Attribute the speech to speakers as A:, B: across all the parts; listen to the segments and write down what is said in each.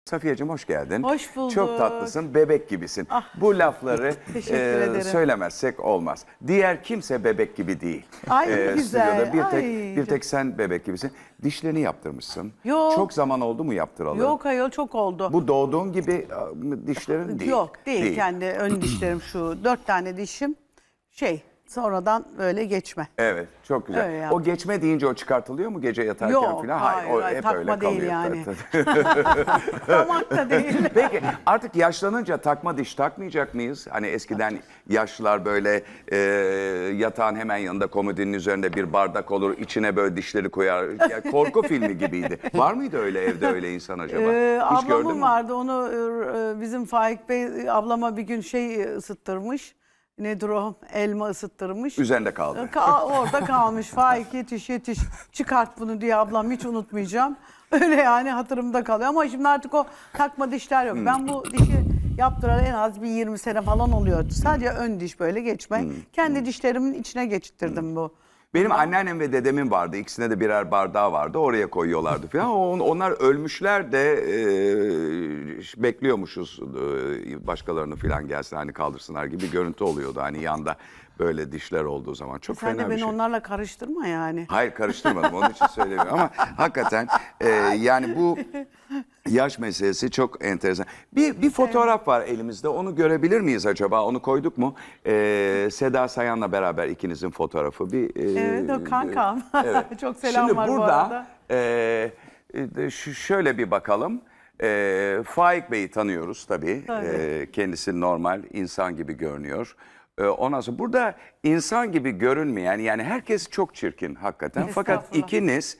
A: Safiyeciğim hoş geldin.
B: Hoş bulduk.
A: Çok tatlısın, bebek gibisin.
B: Ah,
A: bu lafları
B: teşekkür ederim.
A: söylemezsek olmaz. Diğer kimse bebek gibi değil.
B: Ay, ne güzel.
A: Stüdyoda
B: Ay,
A: bir tek sen bebek gibisin. Dişlerini yaptırmışsın.
B: Yok.
A: Çok zaman oldu mu yaptıralı?
B: Yok ayol, çok oldu.
A: Bu doğduğun gibi dişlerin değil.
B: Yok değil. Kendi ön dişlerim şu 4 tane dişim sonradan böyle geçme.
A: Evet, çok güzel.
B: Öyle yaptım.
A: O geçme deyince o çıkartılıyor mu gece yatarken
B: Yok,
A: falan?
B: hayır,
A: o
B: hayır,
A: hep
B: takma
A: öyle
B: değil
A: kalıyor.
B: yani. Damak da değil.
A: Peki artık yaşlanınca takma diş takmayacak mıyız? Hani eskiden yaşlılar böyle yatağın hemen yanında komodinin üzerinde bir bardak olur, içine böyle dişleri koyar. Yani korku filmi gibiydi. Var mıydı öyle evde öyle insan acaba? Hiç gördün
B: Ablamın
A: mü?
B: vardı, onu bizim Faik Bey ablama bir gün ısıttırmış. Nedir o? Elma ısıttırmış.
A: Üzerinde kaldı.
B: Orada kalmış. Faik yetiş çıkart bunu diye ablam, hiç unutmayacağım. Öyle yani hatırımda kalıyor ama şimdi artık o takma dişler yok. Ben bu dişi yaptıralı en az bir 20 sene falan oluyor. Sadece ön diş böyle geçme. Kendi dişlerimin içine geçirttirdim bu.
A: Benim anneannem ve dedemin vardı. İkisine de birer bardağı vardı. Oraya koyuyorlardı falan. Onlar ölmüşler de bekliyormuşuz başkalarını falan gelsin hani kaldırsınlar gibi bir görüntü oluyordu. Hani yanda böyle dişler olduğu zaman. Çok
B: Sen
A: fena
B: de
A: bir
B: beni
A: şey.
B: onlarla karıştırma yani.
A: Hayır karıştırmadım onun için söylemiyorum ama hakikaten yani bu yaş meselesi çok enteresan. Bir fotoğraf var elimizde, onu görebilir miyiz acaba? Onu koyduk mu? Seda Sayan'la beraber ikinizin fotoğrafı.
B: Evet, o kankam.
A: Evet.
B: Çok selam
A: Şimdi
B: var bu
A: burada
B: arada.
A: şöyle bir bakalım. Faik Bey'i tanıyoruz tabii.
B: Tabii.
A: Kendisi normal insan gibi görünüyor. Ondan sonra burada insan gibi görünmeyen, yani herkes çok çirkin hakikaten. Fakat ikiniz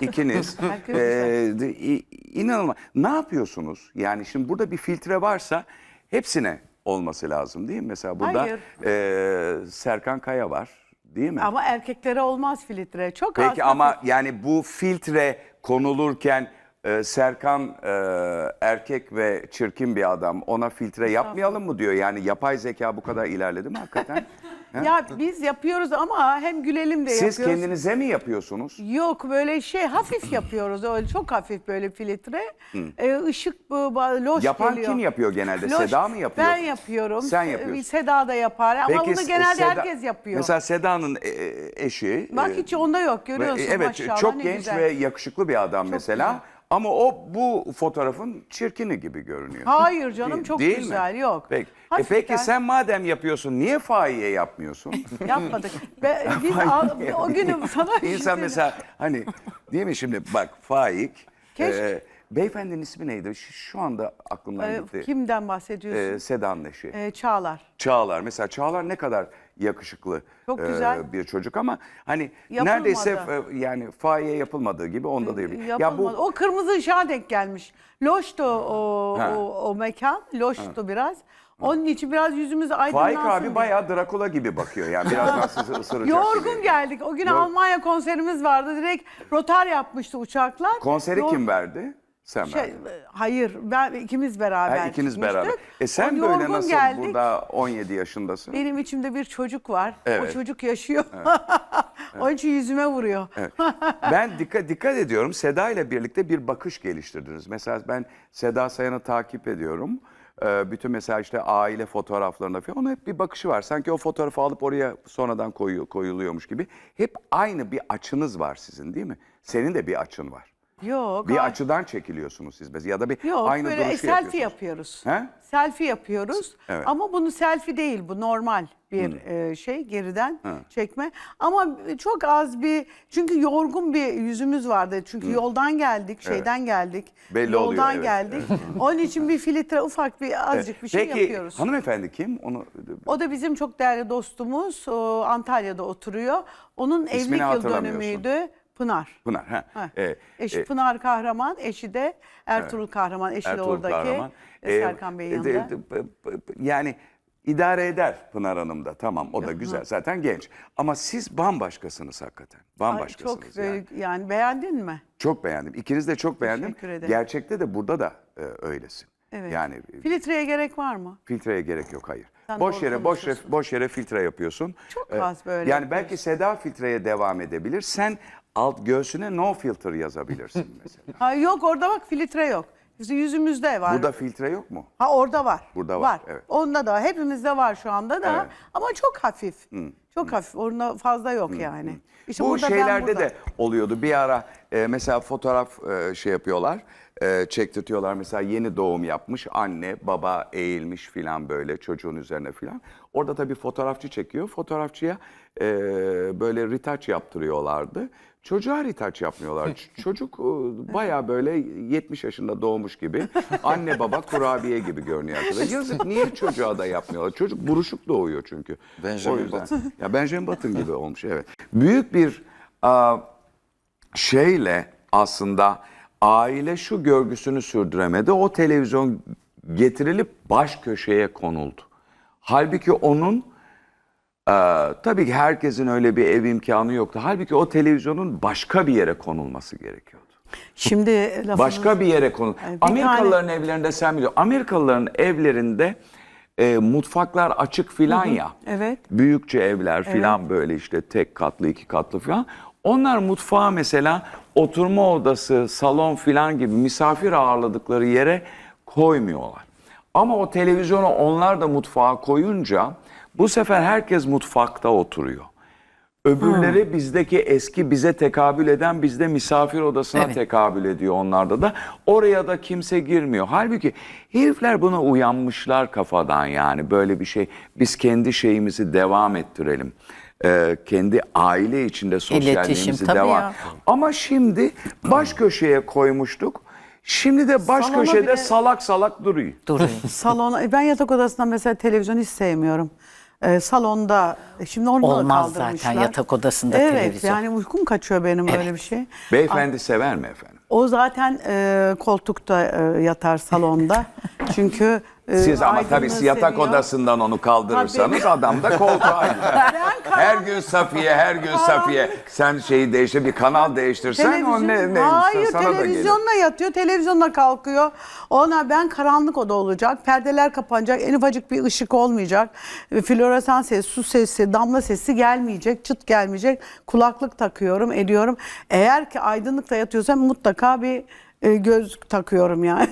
A: inanılmaz. Ne yapıyorsunuz? Yani şimdi burada bir filtre varsa hepsine olması lazım değil mi? Mesela burada Serkan Kaya var değil mi?
B: Ama erkeklere olmaz filtre. Çok
A: Peki
B: az.
A: ama yani bu filtre konulurken Serkan erkek ve çirkin bir adam, ona filtre yapmayalım mı diyor. Yani yapay zeka bu kadar ilerledi mi hakikaten?
B: Ya biz yapıyoruz ama hem gülelim de
A: Siz
B: yapıyoruz.
A: kendinize mi yapıyorsunuz?
B: Yok, böyle hafif yapıyoruz, öyle çok hafif böyle filtre. Işık loş
A: Yapan
B: geliyor.
A: kim yapıyor genelde?
B: Loş.
A: Seda mı yapıyor?
B: Ben yapıyorum.
A: Sen yapıyorsun.
B: Seda da yapar ama
A: Peki,
B: bunu genelde
A: Seda-
B: herkes yapıyor.
A: Mesela Seda'nın eşi.
B: Bak hiç onda yok, görüyorsun
A: Evet,
B: maşallah,
A: çok
B: ne
A: genç
B: güzel.
A: ve yakışıklı bir adam mesela.
B: güzel.
A: Ama o bu fotoğrafın çirkini gibi görünüyor.
B: Hayır canım, çok
A: Değil
B: güzel,
A: mi?
B: yok.
A: Peki.
B: Hafiften
A: Peki sen madem yapıyorsun niye Faik'e yapmıyorsun?
B: yapmadık. Biz o günü sana bir şey
A: İnsan
B: söyleyeyim.
A: mesela hani değil mi şimdi bak Faik.
B: Keşke-
A: Beyefendinin ismi neydi? Şu anda aklımdan gitti.
B: Kimden bahsediyorsun?
A: Seda'nın eşi.
B: Çağlar.
A: Çağlar. Mesela Çağlar ne kadar yakışıklı
B: Çok güzel.
A: bir çocuk ama hani
B: Yapılmadı.
A: neredeyse yani Faik'e yapılmadığı gibi onda da yapılmadı.
B: Yapılmadı. O kırmızı ışığa denk gelmiş. Loştu o mekan. Loştu biraz. Onun için biraz yüzümüz aydınlansın
A: Faik abi
B: diye.
A: bayağı Drakula gibi bakıyor yani birazdan sizi ısıracak
B: Yorgun
A: gibi.
B: geldik. O gün
A: Yok.
B: Almanya konserimiz vardı. Direkt rotar yapmıştı uçaklar.
A: Konseri kim verdi? Sen verdin.
B: Hayır, ikimiz beraber
A: Ha, ikiniz
B: çıkmıştık.
A: beraber. Sen
B: O
A: böyle
B: yorgun
A: nasıl
B: geldik.
A: burada 17 yaşındasın?
B: Benim içimde bir çocuk var.
A: Evet.
B: O çocuk yaşıyor. Onun için yüzüme vuruyor.
A: Evet. Ben dikkat ediyorum. Seda ile birlikte bir bakış geliştirdiniz. Mesela ben Seda Sayan'ı takip ediyorum. Bütün mesela işte aile fotoğraflarında falan onun hep bir bakışı var. Sanki o fotoğrafı alıp oraya sonradan koyuluyormuş gibi. Hep aynı bir açınız var sizin değil mi? Senin de bir açın var.
B: Yok.
A: Bir açıdan çekiliyorsunuz siz mesela ya da bir
B: Yok,
A: aynı
B: böyle
A: duruşu
B: selfie
A: yapıyorsunuz.
B: yapıyoruz.
A: He?
B: Selfie yapıyoruz.
A: Evet.
B: Ama bunu selfie değil, bu normal bir geriden çekme. Ama çok az çünkü yorgun bir yüzümüz vardı. Çünkü yoldan geldik, şeyden geldik.
A: Belli
B: yoldan
A: oluyor, evet.
B: geldik. Onun için bir filtre, ufak bir azıcık bir şey
A: Peki
B: yapıyoruz.
A: hanımefendi kim? Onu
B: O da bizim çok değerli dostumuz. O Antalya'da oturuyor. Onun evlilik yıl
A: hatırlamıyorsun.
B: dönümüydü. Pınar.
A: Pınar. Ha.
B: Eşi Pınar Kahraman, eşi de Ertuğrul Kahraman, eşi de
A: Ertuğrul
B: oradaki
A: Kahraman.
B: Serkan Bey'in yanında.
A: Yani idare eder Pınar Hanım da tamam o da güzel zaten genç. Ama siz bambaşkasınız hakikaten.
B: Ay,
A: Bambaşkasınız
B: çok
A: yani.
B: yani beğendin mi?
A: Çok beğendim. İkiniz de çok beğendim.
B: Teşekkür ederim.
A: Gerçekte de burada da öylesin.
B: Evet.
A: Yani
B: Filtreye gerek var mı?
A: filtreye gerek yok hayır.
B: Sen
A: Boş
B: doğru
A: yere
B: konuşuyorsun.
A: boş yere filtre yapıyorsun.
B: Çok az böyle
A: Yani
B: yapıyoruz.
A: belki Seda filtreye devam edebilir. Sen alt göğsüne no filter yazabilirsin mesela.
B: Ha, yok, orada bak filtre yok. Yüzümüzde var.
A: Burada filtre yok mu?
B: Ha orada var.
A: Burada var, evet.
B: Onda da var. Hepimizde var şu anda da.
A: Evet.
B: Ama çok hafif. Çok hafif. Orada fazla yok yani. İşte
A: Bu
B: burada, ben
A: şeylerde
B: burada.
A: de oluyordu. Bir ara mesela fotoğraf şey yapıyorlar, çektirtiyorlar. Mesela yeni doğum yapmış, anne, baba eğilmiş filan böyle çocuğun üzerine filan. Orada tabii fotoğrafçı çekiyor. Fotoğrafçıya böyle retouch yaptırıyorlardı. Çocuğa retouch yapmıyorlar. Çocuk bayağı böyle 70 yaşında doğmuş gibi. Anne baba kurabiye gibi görünüyor arkadaşlar. Yazık, niye çocuğa da yapmıyorlar? Çocuk buruşuk doğuyor çünkü.
C: Benjamin
A: O yüzden.
C: Button.
A: Ya Benjamin Button gibi olmuş, evet. Büyük bir şeyle aslında aile şu görgüsünü sürdüremedi. O televizyon getirilip baş köşeye konuldu. Halbuki onun tabii ki herkesin öyle bir ev imkanı yoktu. Halbuki o televizyonun başka bir yere konulması gerekiyordu.
B: Şimdi lafınız...
A: Başka bir yere konul.
B: Bir
A: Amerikalıların evlerinde sen biliyorsun. Amerikalıların evlerinde mutfaklar açık filan ya.
B: Evet.
A: Büyükçe evler filan böyle işte tek katlı, iki katlı filan. Onlar mutfağa mesela oturma odası, salon filan gibi misafir ağırladıkları yere koymuyorlar. Ama o televizyonu onlar da mutfağa koyunca bu sefer herkes mutfakta oturuyor. Öbürleri bizdeki eski bize tekabül eden bizde misafir odasına tekabül ediyor onlarda da. Oraya da kimse girmiyor. Halbuki herifler buna uyanmışlar kafadan yani böyle bir şey. Biz kendi şeyimizi devam ettirelim. Kendi aile içinde sosyalliğimizi
D: tabii
A: devam.
D: ya.
A: Ama şimdi baş köşeye koymuştuk. Şimdi de baş
B: Salona
A: köşede
B: bile-
A: salak salak duruyor.
D: Duruyor.
B: Salona, ben yatak odasında mesela televizyon hiç sevmiyorum. Salonda, şimdi onu da
D: Olmaz
B: kaldırmışlar.
D: zaten yatak odasında
B: evet,
D: televizyon.
B: yani uykum kaçıyor benim böyle bir şey.
A: Beyefendi sever mi efendim?
B: O zaten koltukta yatar salonda. Çünkü
A: Siz ama tabii
B: aydınlığı
A: yatak
B: seviyor.
A: odasından onu kaldırırsanız adam da koltuğa gider. Her gün Safiye, her gün Safiye. Sen şeyi değiştir, bir kanal değiştirsen o ne
B: Hayır,
A: sana da gelir.
B: televizyonla yatıyor, televizyonla kalkıyor. Ona ben karanlık oda olacak, perdeler kapanacak, en ufacık bir ışık olmayacak. Floresan sesi, su sesi, damla sesi gelmeyecek, çıt gelmeyecek. Kulaklık takıyorum, ediyorum. Eğer ki aydınlıkta yatıyorsam mutlaka bir gözlük takıyorum yani.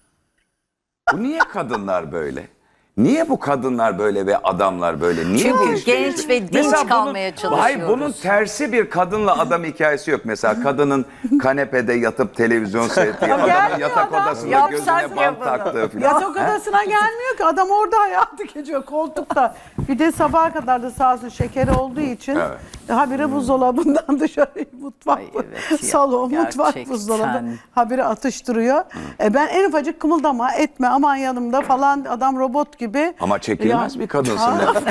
A: Bu niye kadınlar böyle? Niye bu kadınlar böyle ve adamlar böyle? Niye
D: Çünkü
A: bu iş
D: genç
A: değişiyor?
D: ve dinç
A: Mesela bunun-
D: kalmaya çalışıyoruz.
A: Hayır, bunun tersi bir kadınla adam hikayesi yok. Mesela kadının kanepede yatıp televizyon seyrettiği, adamın
B: gelmiyor
A: yatak
B: adam.
A: odasında
D: Yapsak
A: gözüne bant
D: yapalım.
A: taktığı falan.
B: Yatak odasına gelmiyor ki. Adam orada hayatı geçiyor koltukta. Bir de sabaha kadar da sağ olsun şekeri olduğu için habire buzdolabından dışarı mutfak,
D: Ay evet ya,
B: salon, mutfak,
D: gerçekten.
B: buzdolabı habire atıştırıyor. Ben en ufacık kımıldama etme aman yanımda falan, adam robot gibi.
A: Ama çekilmez
B: Ya-
A: bir kadınsın.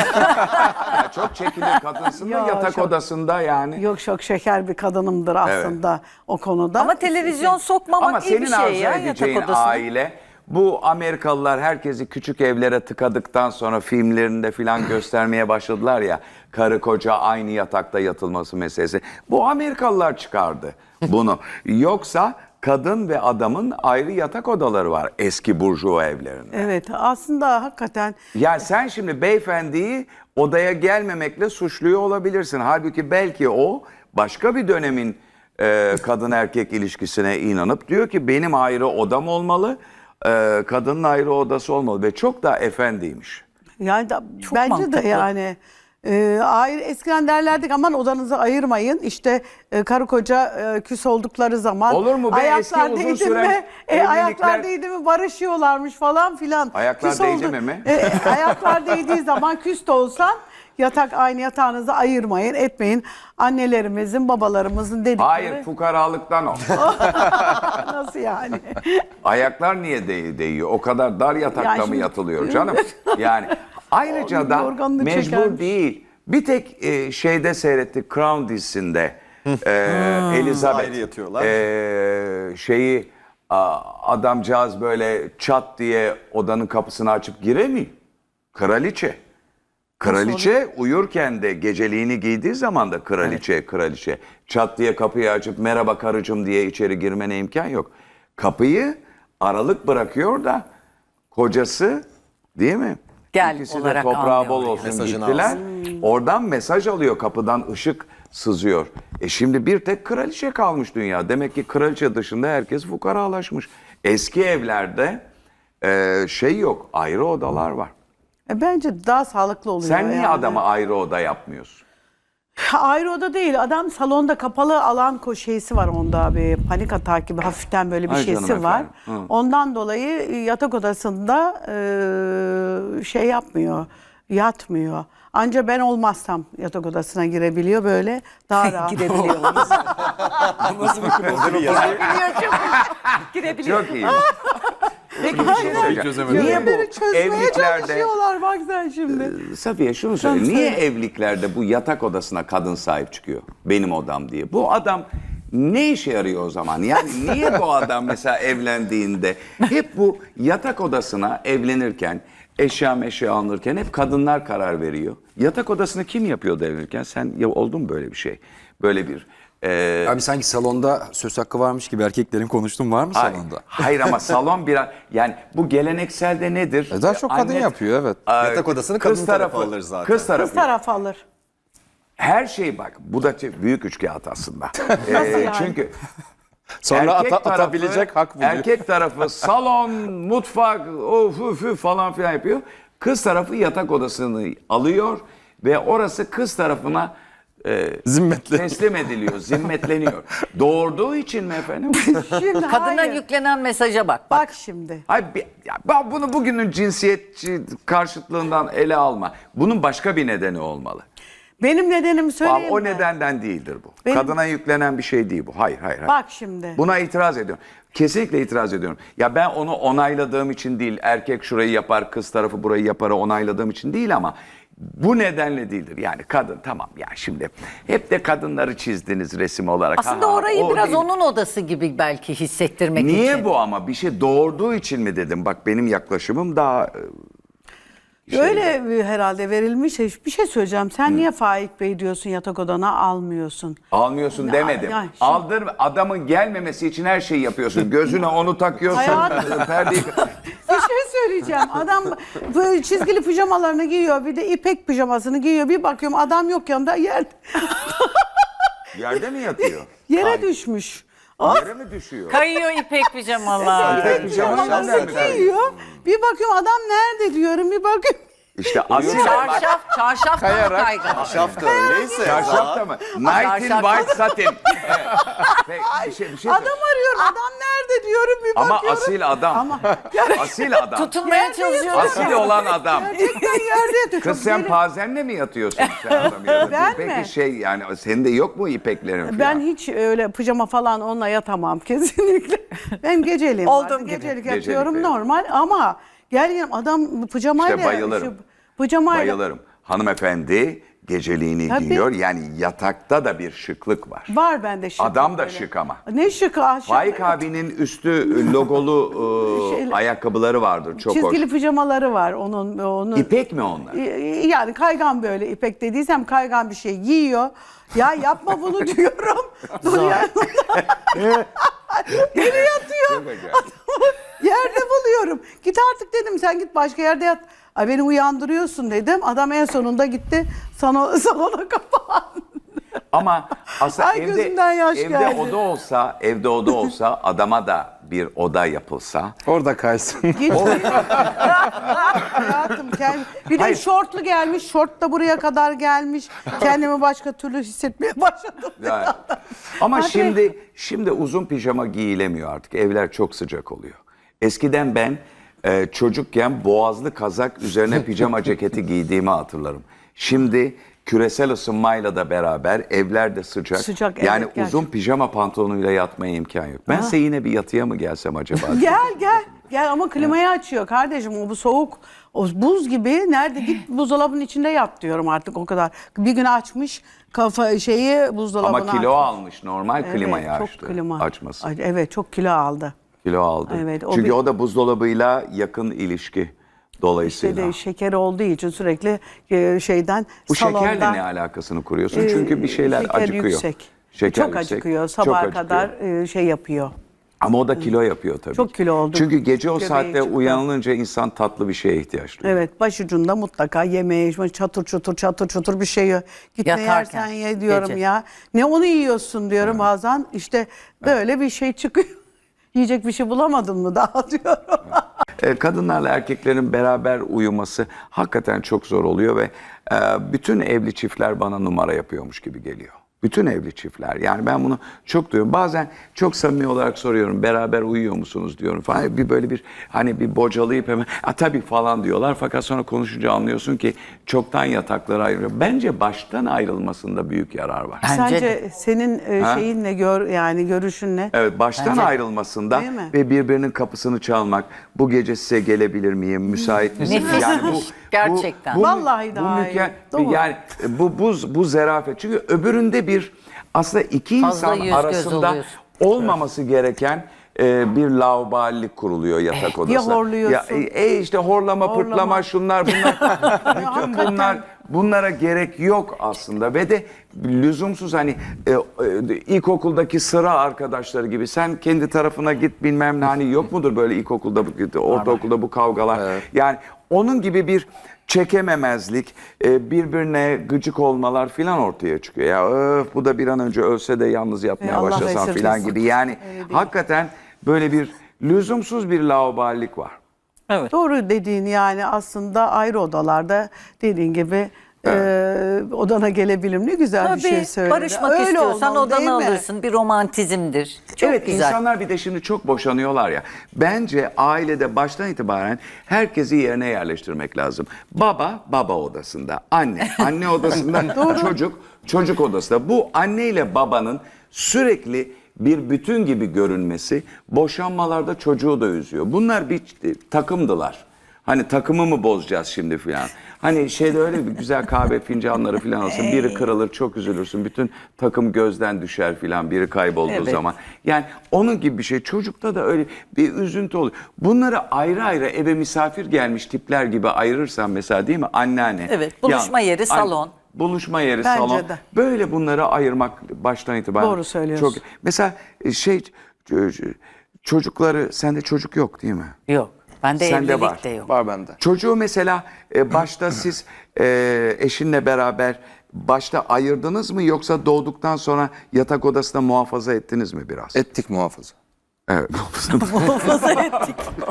A: Ya çok çekilir kadınsın da
B: Ya
A: yatak
B: çok-
A: odasında yani.
B: Yok, çok şeker bir kadınımdır aslında o konuda.
D: Ama televizyon sokmamak
A: Ama
D: iyi bir
A: senin
D: şey
A: arzu
D: ya yatak
A: edeceğin
D: odasına.
A: aile, bu Amerikalılar herkesi küçük evlere tıkadıktan sonra filmlerinde filan göstermeye başladılar ya, karı koca aynı yatakta yatılması meselesi. Bu Amerikalılar çıkardı bunu. Yoksa kadın ve adamın ayrı yatak odaları var eski burjuva evlerinde.
B: Evet, aslında hakikaten
A: Ya sen şimdi beyefendiyi odaya gelmemekle suçluyor olabilirsin. Halbuki belki o başka bir dönemin kadın erkek ilişkisine inanıp diyor ki benim ayrı odam olmalı, kadının ayrı odası olmalı ve çok daha efendiymiş.
B: yani
D: Çok
B: bence
D: mantıklı.
B: de yani ayrı, eskiden derlerdik aman odanızı ayırmayın. İşte karı koca küs oldukları zaman
A: Olur mu be, eski
B: ayaklar
A: uzun
B: değdi
A: süren
B: mi?
A: evlilikler-
B: Ayaklar değdi mi barışıyorlarmış falan filan.
A: Ayaklar
B: Küs
A: değdi
B: oldu-
A: mi?
B: Ayaklar değdiği zaman küs de olsan aynı yatağınızı ayırmayın, etmeyin. Annelerimizin, babalarımızın dedikleri.
A: Hayır, fukaralıktan o.
B: Nasıl yani?
A: Ayaklar niye değiyor? O kadar dar yatakta
B: Ya
A: mı
B: şimdi-
A: yatılıyor canım? Yani ayrıca da
B: Yorganını
A: mecbur
B: çekermiş.
A: değil. Bir tek şeyde seyrettik, Crown dizisinde Elizabeth
C: Ayrı yatıyorlar.
A: adamcağız böyle çat diye odanın kapısını açıp giremiyor. Kraliçe. Kraliçe uyurken de geceliğini giydiği zaman da kraliçe çat diye kapıyı açıp merhaba karıcığım diye içeri girmene imkan yok. Kapıyı aralık bırakıyor da kocası, değil mi?
D: Gel
A: İkisi de
D: olarak
A: toprağı
D: almıyor
A: bol
D: yani.
A: olsun
C: Mesajını
A: gittiler. Oradan mesaj alıyor, kapıdan ışık sızıyor. Şimdi bir tek kraliçe kalmış dünya. Demek ki kraliçe dışında herkes fukaralaşmış. Eski evlerde şey yok, ayrı odalar var.
B: Bence daha sağlıklı oluyor.
A: Sen niye
B: yani.
A: adama ayrı oda yapmıyorsun?
B: Ayrı oda değil. Adam salonda kapalı alan şeysi var onda, bir panik atağı gibi hafiften böyle bir
A: Ay
B: şeysi
A: canım
B: var.
A: efendim. Hı.
B: Ondan dolayı yatak odasında şey yapmıyor, yatmıyor. Anca ben olmazsam yatak odasına girebiliyor, böyle daha rahat.
D: Girebiliyor.
A: Çok iyi. Peki bir şey söyleyeceğim. Niye bu
B: Beni çözmeye
A: evliliklerde...
B: çalışıyorlar bak sen şimdi.
A: Safiye şunu söyle.
B: Sen
A: Niye
B: söyle.
A: evliliklerde bu yatak odasına kadın sahip çıkıyor? Benim odam diye. Bu adam ne işe yarıyor o zaman? Yani niye bu adam mesela evlendiğinde hep bu yatak odasına evlenirken, eşya alınırken hep kadınlar karar veriyor. Yatak odasını kim yapıyordu evlenirken? Sen ya oldu mu böyle bir şey? Böyle bir...
C: Abi sanki salonda söz hakkı varmış gibi erkeklerin konuştuğum var mı salonda?
A: Hayır ama salon biraz yani bu gelenekselde nedir?
C: Daha çok kadın yapıyor, evet.
E: Yatak odasını
A: kız
E: kadın tarafı alır zaten.
A: Kız tarafı.
B: Kız taraf alır.
A: Her şey bak bu da büyük üçkağıt aslında.
B: yani?
A: Çünkü
C: Sonra
A: erkek
C: atabilecek hak buluyor.
A: Erkek tarafı salon, mutfak, of üf falan filan yapıyor. Kız tarafı yatak odasını alıyor ve orası kız tarafına
C: Zimmetle.
A: teslim ediliyor, zimmetleniyor. Doğurduğu için mi efendim?
B: Şimdi
D: Kadına
B: hayır.
D: yüklenen mesaja bak.
B: Bak şimdi.
A: Hayır, ben bunu bugünün cinsiyetçi karşıtlığından ele alma. Bunun başka bir nedeni olmalı.
B: Benim nedenimi söyleyeyim
A: O
B: mi?
A: nedenden değildir bu.
B: Benim-
A: Kadına yüklenen bir şey değil bu. Hayır.
B: Bak şimdi.
A: Buna itiraz ediyorum. Kesinlikle itiraz ediyorum. Ya ben onu onayladığım için değil, erkek şurayı yapar, kız tarafı burayı yapar onayladığım için değil ama bu nedenle değildir. Yani kadın tamam ya şimdi hep de kadınları çizdiniz resim olarak.
D: Aslında
A: Ha,
D: orayı
A: o
D: biraz
A: değil.
D: onun odası gibi belki hissettirmek için.
A: Niye bu ama bir şey doğurduğu için mi dedim? Bak benim yaklaşımım daha
B: Öyle herhalde verilmiş. Bir şey söyleyeceğim. Sen niye Faik Bey diyorsun yatak odana almıyorsun?
A: almıyorsun demedim.
B: yani şimdi-
A: Aldır adamın gelmemesi için her şeyi yapıyorsun. Gözüne onu takıyorsun.
B: Hayatım.
A: Perdeyi...
B: Bir şey söyleyeceğim. Adam böyle çizgili pijamalarını giyiyor. Bir de ipek pijamasını giyiyor. Bir bakıyorum adam yok yanında
A: Yerde mi yatıyor?
B: yere
A: Hayır.
B: düşmüş.
A: Yere mi düşüyor?
D: Kayıyor ipek pijamalar.
A: İpek pijamalarını
B: Pijamalarını
A: nerede
B: giyiyor. Bir bakıyorum adam nerede diyorum. Bir bakıyorum.
A: İşte asil
D: Çarşaf daha kaygan.
E: Şaf da öyleyse.
A: çarşaf da mı? Night in
D: Çarşaf.
A: white satin. Evet. Peki, bir şey
B: Adam arıyorum. Adam nerede diyorum. Bir
A: Ama
B: bakıyorum.
A: asil adam.
B: Ama
A: Asil adam.
D: Tutulmaya çalışıyorum.
A: Asil olan adam.
B: gerçekten yerde yatıyor.
A: Kız
B: Çok
A: sen
B: deli.
A: pazenle mi yatıyorsun sen adam yanında?
B: Ben
A: Peki
B: mi?
A: şey yani senin de yok mu ipeklerin falan?
B: Ben hiç öyle pijama falan onunla yatamam kesinlikle. Ben geceliğim.
D: Olduğum
B: vardı.
D: gibi.
B: Gecelik
A: Gecelik,
B: yatıyorum
A: evet.
B: normal ama gel adam pijamayla.
A: İşte bayılırım.
B: Pijamayla.
A: Bayılırım. Hanımefendi geceliğini
B: Tabii.
A: giyiyor. Yani yatakta da bir şıklık var.
B: Var bende şık.
A: Adam da
B: böyle.
A: şık ama.
B: Ne şık aşık.
A: Faik abinin üstü logolu
B: Şeyler-
A: ayakkabıları vardır. Çok
B: Çizgili
A: hoş.
B: pijamaları var onun.
A: İpek mi onlar?
B: Yani kaygan böyle ipek dediysem kaygan bir şey giyiyor. Ya yapma bunu diyorum. Dur ya. Yere yatıyor.
A: Çok acayip.
B: Yerde buluyorum. Git artık dedim sen git başka yerde yat. Ay beni uyandırıyorsun dedim. Adam en sonunda gitti salona kapandı.
A: Ama aslında
B: Ay, gözümden yaş
A: evde
B: geldi.
A: oda olsa adama da bir oda yapılsa.
C: Orada kaysın.
B: Git. Hayatım bir de
A: Hayır.
B: şortlu gelmiş. Şort da buraya kadar gelmiş. Kendimi başka türlü hissetmeye başladım.
A: Yani. Ama
B: Hadi.
A: şimdi uzun pijama giyilemiyor artık. Evler çok sıcak oluyor. Eskiden ben çocukken boğazlı kazak üzerine pijama ceketi giydiğimi hatırlarım. Şimdi küresel ısınmayla da beraber evler de sıcak.
B: Sıcak,
A: yani
B: evet,
A: uzun
B: gerçekten.
A: pijama pantolonuyla yatmaya imkan yok. Bense yine bir yatıya mı gelsem acaba?
B: Gel ama klimayı açıyor kardeşim. O bu soğuk. O buz gibi. Nerede git buzdolabının içinde yat diyorum artık o kadar. Bir gün açmış buzdolabına.
A: Ama kilo
B: atmış.
A: almış normal klimayı
B: çok
A: açtı.
B: klima.
A: Açması.
B: Ay, evet çok kilo aldı.
A: Kilo aldı.
B: Evet, o
A: Çünkü
B: bir-
A: o da buzdolabıyla yakın ilişki
B: İşte
A: dolayısıyla.
B: de şeker olduğu için sürekli şeyden
A: Bu
B: salonda.
A: şekerle ne alakasını kuruyorsun? Çünkü bir şeyler
B: şeker
A: acıkıyor.
B: Yüksek.
A: Şeker
B: çok
A: yüksek,
B: acıkıyor.
A: çok
B: Sabaha
A: acıkıyor.
B: kadar şey yapıyor.
A: Ama o da kilo yapıyor tabii.
B: Çok kilo oldu.
A: Çünkü gece o
B: Göbeği
A: saatte
B: çıktı.
A: uyanılınca insan tatlı bir şeye ihtiyaç duyuyor.
B: Evet başucunda mutlaka yemeği çatır çutur bir şey yiyor. Git ne
D: Yatarken,
B: yersen ye diyorum
D: gece.
B: ya. Ne onu yiyorsun diyorum bazen. İşte böyle bir şey çıkıyor. Yiyecek bir şey bulamadın mı daha diyorum.
A: Kadınlarla erkeklerin beraber uyuması hakikaten çok zor oluyor ve bütün evli çiftler bana numara yapıyormuş gibi geliyor. Bütün evli çiftler. Yani ben bunu çok duyuyorum. Bazen çok samimi olarak soruyorum. Beraber uyuyor musunuz diyorum falan. Bir böyle bir hani bir bocalayıp hemen tabii falan diyorlar. Fakat sonra konuşunca anlıyorsun ki çoktan yatakları ayrılıyor. Bence baştan ayrılmasında büyük yarar var.
D: Bence
B: Sence senin şeyinle yani görüşünle
A: Evet, baştan
D: Bence-
A: ayrılmasında
B: Değil mi?
A: ve birbirinin kapısını çalmak. Bu gece size gelebilir miyim? Müsait misiniz?
D: Nefis. Gerçekten.
B: Vallahi daha iyi. Doğru.
A: Yani bu zerafet. Çünkü öbüründe bir aslında iki
D: Fazla
A: insan
D: yüz göz
A: arasında
D: oluyorsun.
A: olmaması gereken bir laubalilik kuruluyor yatak odasında.
B: horluyorsun.
A: İşte horlama, pırtlama, şunlar bunlar. Bütün
B: Hakikaten.
A: bunlara gerek yok aslında ve de lüzumsuz hani ilkokuldaki sıra arkadaşları gibi sen kendi tarafına git bilmem ne hani yok mudur böyle ilkokulda ortaokulda bu kavgalar. Yani onun gibi bir çekememezlik, birbirine gıcık olmalar filan ortaya çıkıyor. Ya bu da bir an önce ölse de yalnız yatmaya
B: Allah
A: başlasan filan
B: esirgesin.
A: gibi. Yani hakikaten böyle bir lüzumsuz bir laubalilik var.
D: Evet.
B: Doğru dediğin yani aslında ayrı odalarda dediğin gibi odana gelebilirim. Ne güzel bir şey söyledin.
D: barışmak
B: Öyle
D: istiyorsan
B: olmalı, değil
D: odana
B: mi?
D: alırsın. Bir romantizmdir. Çok
A: Evet,
D: güzel.
A: insanlar bir de şimdi çok boşanıyorlar ya. Bence ailede baştan itibaren herkesi yerine yerleştirmek lazım. Baba odasında, anne odasında, çocuk odasında. Bu anne ile babanın sürekli bir bütün gibi görünmesi boşanmalarda çocuğu da üzüyor. Bunlar bir takımdılar. Hani takımı mı bozacağız şimdi filan. Hani şeyde öyle bir güzel kahve fincanları filan olsun. Biri kırılır çok üzülürsün. Bütün takım gözden düşer filan biri kaybolduğu
D: Evet.
A: zaman. Yani onun gibi bir şey. Çocukta da öyle bir üzüntü oluyor. Bunları ayrı ayrı eve misafir gelmiş tipler gibi ayırırsan mesela değil mi? Anneanne.
D: Evet, buluşma yeri salon.
A: Buluşma yeri
B: Bence
A: salon.
B: de.
A: Böyle bunları ayırmak baştan itibaren.
B: Doğru söylüyorsun.
A: Çok, mesela çocukları sende çocuk yok değil mi?
D: Yok. Bende
A: Sende
D: evlilik
A: var.
D: de yok.
E: Var bende.
A: Çocuğu mesela başta siz eşinle beraber başta ayırdınız mı yoksa doğduktan sonra yatak odasında muhafaza ettiniz mi biraz?
E: Ettik muhafaza.
A: Evet.
D: Muhafaza ettik.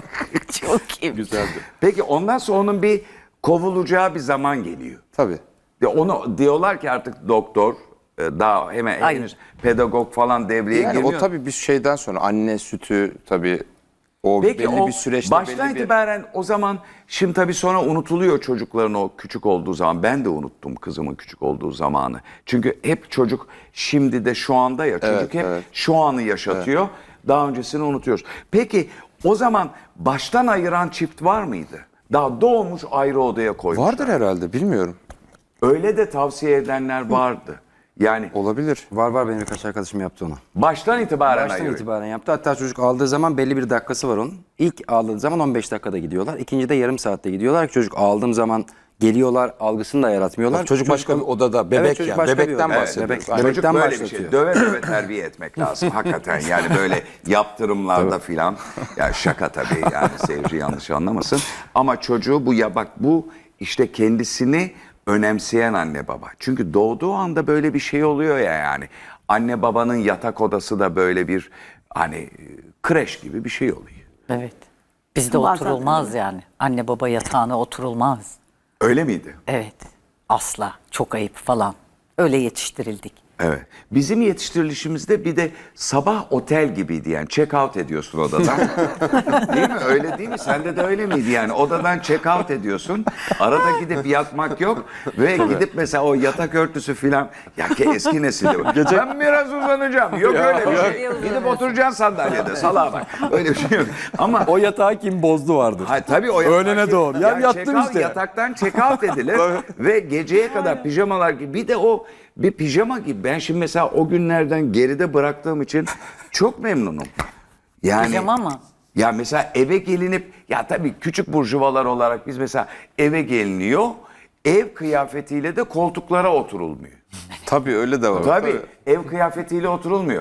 D: Çok iyi.
E: Güzeldi.
A: Peki ondan sonra onun bir kovulacağı bir zaman geliyor.
E: Tabii.
A: Onu diyorlar ki artık doktor daha hemen
D: Hayır.
A: henüz pedagog falan devreye
E: Yani
A: girmiyor.
E: o tabii bir şeyden sonra anne sütü tabii o
A: Peki
E: belli
A: o
E: bir süreçte
A: baştan
E: belli bir...
A: itibaren o zaman şimdi tabii sonra unutuluyor çocukların o küçük olduğu zaman. Ben de unuttum kızımın küçük olduğu zamanı. Çünkü hep çocuk şimdi de şu anda ya çocuk hep
E: evet.
A: şu anı yaşatıyor. Daha öncesini unutuyoruz. Peki o zaman baştan ayıran çift var mıydı? Daha doğmuş ayrı odaya koymuşlar.
E: Vardır herhalde bilmiyorum.
A: Öyle de tavsiye edenler vardı. Yani
E: Olabilir.
C: Var benim birkaç arkadaşım yaptı onu.
A: baştan itibaren
C: Baştan
A: ayırıyor.
C: itibaren yaptı. Hatta çocuk aldığı zaman belli bir dakikası var onun. İlk aldığı zaman 15 dakikada gidiyorlar. İkinci de yarım saatte gidiyorlar. Çocuk aldığım zaman geliyorlar algısını da yaratmıyorlar.
E: Çocuk başka bir odada bebek
C: çocuk
E: yani.
C: başka bir
E: Bebekten
C: odada.
E: bahsediyoruz.
C: Evet,
E: Aynen.
A: Çocuk
C: Bebekten
A: böyle bir
C: başlatıyor.
A: şey. Döve döve terbiye etmek lazım hakikaten. Yani böyle yaptırımlarda filan. Ya şaka tabii yani seyirci yanlış anlamasın. Ama çocuğu bu işte kendisini önemseyen anne baba. Çünkü doğduğu anda böyle bir şey oluyor ya yani. Anne babanın yatak odası da böyle bir hani kreş gibi bir şey oluyor.
D: Evet. Bizde
B: Bazen
D: oturulmaz yani. Anne baba yatağına oturulmaz.
A: Öyle miydi?
D: Evet. Asla. Çok ayıp falan. Öyle yetiştirildik.
A: Evet. Bizim yetiştirilişimizde bir de sabah otel gibiydi yani. Check out ediyorsun odadan. Değil mi? Öyle değil mi? Sende de öyle miydi yani? Odadan check out ediyorsun. Arada gidip yatmak yok. Ve gidip mesela o yatak örtüsü filan. Ya ki eski nesilde bu. Ben biraz uzanacağım. Yok öyle bir şey. Gidip oturacaksın sandalyede. Salağa bak. Öyle bir şey yok. Ama
C: O yatağı kim bozdu vardır.
A: hayır, tabii o yatak-
C: Öğlene doğru. Ya yattım
A: check out,
C: işte.
A: Yataktan check out edilir ve geceye kadar pijamalar gibi. Bir de o bir pijama gibi. Ben şimdi mesela o günlerden geride bıraktığım için çok memnunum. Yani
D: Pijama mı?
A: ya mesela eve gelinip ya tabii küçük burjuvalar olarak biz mesela eve geliniyor. Ev kıyafetiyle de koltuklara oturulmuyor.
E: Tabii öyle de var.
A: Tabii ev kıyafetiyle oturulmuyor.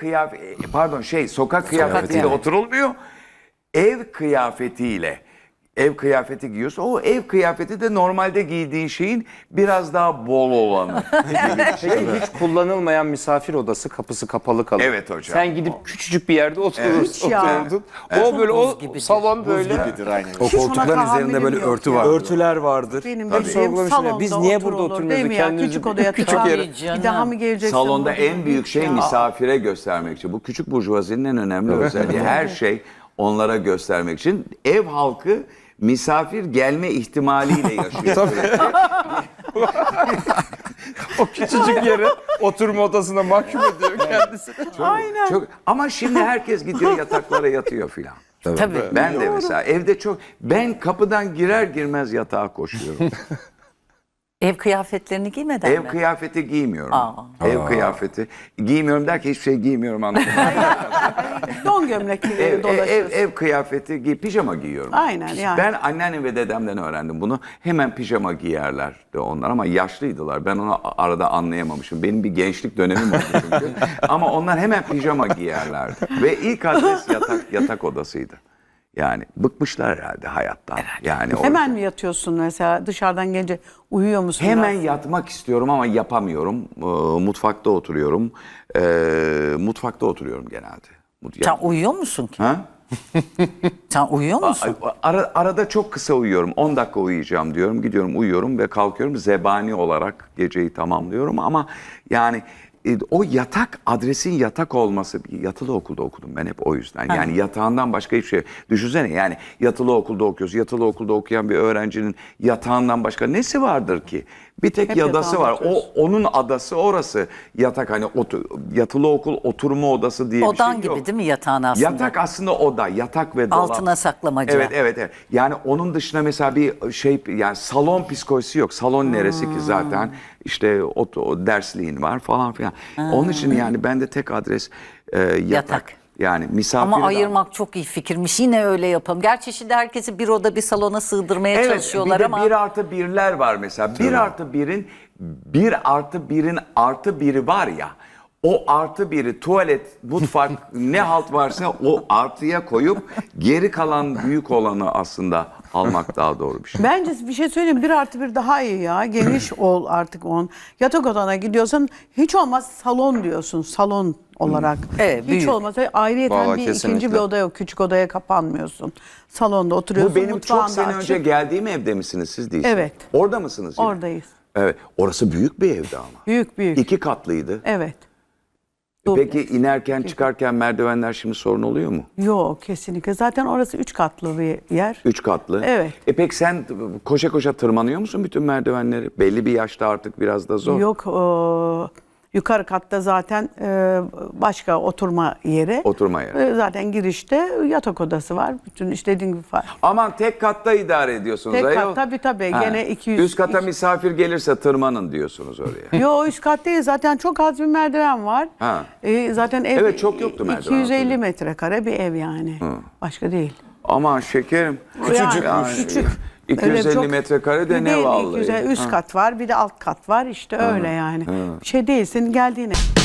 A: Sokak kıyafetiyle
C: kıyafeti.
A: oturulmuyor. Ev kıyafetiyle ev kıyafeti giyiyorsun. O ev kıyafeti de normalde giydiğin şeyin biraz daha bol olanı.
E: Peki hiç kullanılmayan misafir odası kapısı kapalı kalır.
A: Evet hocam.
E: Sen gidip küçücük bir yerde oturursun.
B: Hiç ya.
E: Oturdun. O böyle o
D: gibidir.
E: salon böyle.
C: O
B: Hiç ona
C: koltukların üzerinde
B: tahammülüm
C: böyle
B: yok
C: örtü
B: ya.
C: var.
E: Örtüler vardır.
B: Benim
E: Tabii.
B: bildiğim
E: Sorgulamışım ya,
B: salonda
E: biz niye burada
B: oturulur,
E: oturmuyoruz
B: değil
E: da
B: mi ya?
E: kendimizi
B: Küçük odaya
E: küçük
B: tıkan.
E: yere.
B: Bir daha mı geleceksin?
A: Salonda
B: burada?
A: en büyük şey
B: Ya.
A: misafire göstermek için. Bu küçük burjuvazinin en önemli özelliği. Her şey onlara göstermek için. Ev halkı misafir gelme ihtimaliyle yaşıyor.
E: O küçücük yere oturma odasına mahkum ediyor kendisini.
B: Aynen.
A: Çok, ama şimdi herkes gidiyor yataklara yatıyor filan.
D: Tabii.
A: Ben de mesela evde ben kapıdan girer girmez yatağa koşuyorum.
D: Ev kıyafetlerini giymeden
A: Ev
D: mi?
A: kıyafeti giymiyorum.
D: Aa.
A: Ev kıyafeti giymiyorum derken hiçbir şey giymiyorum anlamında.
B: Don gömlekli dolaşıyorsun.
A: Ev kıyafeti pijama giyiyorum.
B: Aynen yani.
A: Ben anneannem ve dedemden öğrendim bunu. Hemen pijama giyerlerdi onlar ama yaşlıydılar. Ben onu arada anlayamamışım. Benim bir gençlik dönemim oldu çünkü. Ama onlar hemen pijama giyerlerdi. Ve ilk adres yatak odasıydı. Yani bıkmışlar herhalde hayattan. Yani
B: Hemen mi yatıyorsun mesela dışarıdan gelince uyuyor musun?
A: hemen
B: biraz?
A: yatmak istiyorum ama yapamıyorum. Mutfakta oturuyorum. Mutfakta oturuyorum genelde.
D: Sen uyuyor musun ki?
A: Ha?
D: Sen uyuyor musun?
A: Arada çok kısa uyuyorum. 10 dakika uyuyacağım diyorum. Gidiyorum uyuyorum ve kalkıyorum. Zebani olarak geceyi tamamlıyorum ama yani o yatak, adresin yatak olması, yatılı okulda okudum ben hep o yüzden. Yani yatağından başka hiçbir şey. Düşünsene yani yatılı okulda okuyorsun. Yatılı okulda okuyan bir öğrencinin yatağından başka nesi vardır ki? Bir tek
B: Hep
A: yadası
B: yatağında
A: var.
B: oturuyorsun.
A: Onun adası orası. Yatak hani yatılı okul oturma odası diye bir
D: Odan
A: şey
D: gibi
A: yok.
D: değil mi yatağın aslında?
A: Yatak aslında oda, yatak ve dolap.
D: Altına saklamaca.
A: Evet. Yani onun dışında mesela bir şey yani salon psikolojisi yok. Salon neresi ki zaten işte o dersliğin var falan filan. Onun için yani bende tek adres yatak.
D: Yatak.
A: Yani misafir.
D: Ama ayırmak çok iyi fikirmiş. Yine öyle yapalım. Gerçi şimdi herkesi bir oda bir salona sığdırmaya
A: Evet,
D: çalışıyorlar
A: bir de
D: ama
A: 1+1'ler var mesela. 1+1'in 1+1'in artı biri var ya. O artı biri tuvalet, mutfak ne halt varsa o artıya koyup geri kalan büyük olanı aslında almak daha doğru bir şey.
B: Bence bir şey söyleyeyim 1+1 daha iyi ya. Geniş ol artık on. Yatak odana gidiyorsan hiç olmaz salon diyorsun. Salon olarak.
D: Evet,
B: hiç
D: büyük.
B: olmazsa ayrıyeten
E: Vallahi
B: bir
E: kesinlikle.
B: ikinci bir oda yok. Küçük odaya kapanmıyorsun. Salonda oturuyorsun.
A: Bu benim çok
B: mutfağın da
A: sene
B: açık.
A: önce geldiğim evde misiniz siz değilsiniz?
B: Evet.
A: Orada mısınız? yine?
B: Oradayız.
A: Evet. Orası büyük bir evdi ama.
B: Büyük büyük.
A: 2 katlıydı.
B: Evet.
A: Peki inerken çıkarken merdivenler şimdi sorun oluyor mu?
B: Yok kesinlikle. Zaten orası 3 katlı bir yer.
A: 3 katlı.
B: Evet.
A: Peki sen koşa koşa tırmanıyor musun bütün merdivenleri? Belli bir yaşta artık biraz da zor.
B: Yok yukarı katta zaten başka oturma yeri.
A: Oturma yeri.
B: Zaten girişte yatak odası var. Bütün istediğin gibi var.
A: Aman tek katta idare ediyorsunuz.
B: Tek
A: ayol.
B: kat tabii
A: Ha.
B: gene 200.
A: Üst kata misafir gelirse tırmanın diyorsunuz oraya.
B: Yo üst kat değil zaten çok az bir merdiven var.
A: Ha.
B: Zaten ev
A: Evet, çok yoktu merdiven,
B: 250
A: hatırlıyorum.
B: metrekare bir ev yani. Başka değil.
A: Aman şekerim.
B: Yani küçük.
A: 250
B: Öyle çok-
A: metrekare de ne
B: Değil,
A: vallahi.
B: 250 üst kat var bir de alt kat var işte öyle yani. Bir şey değilsin geldiğine.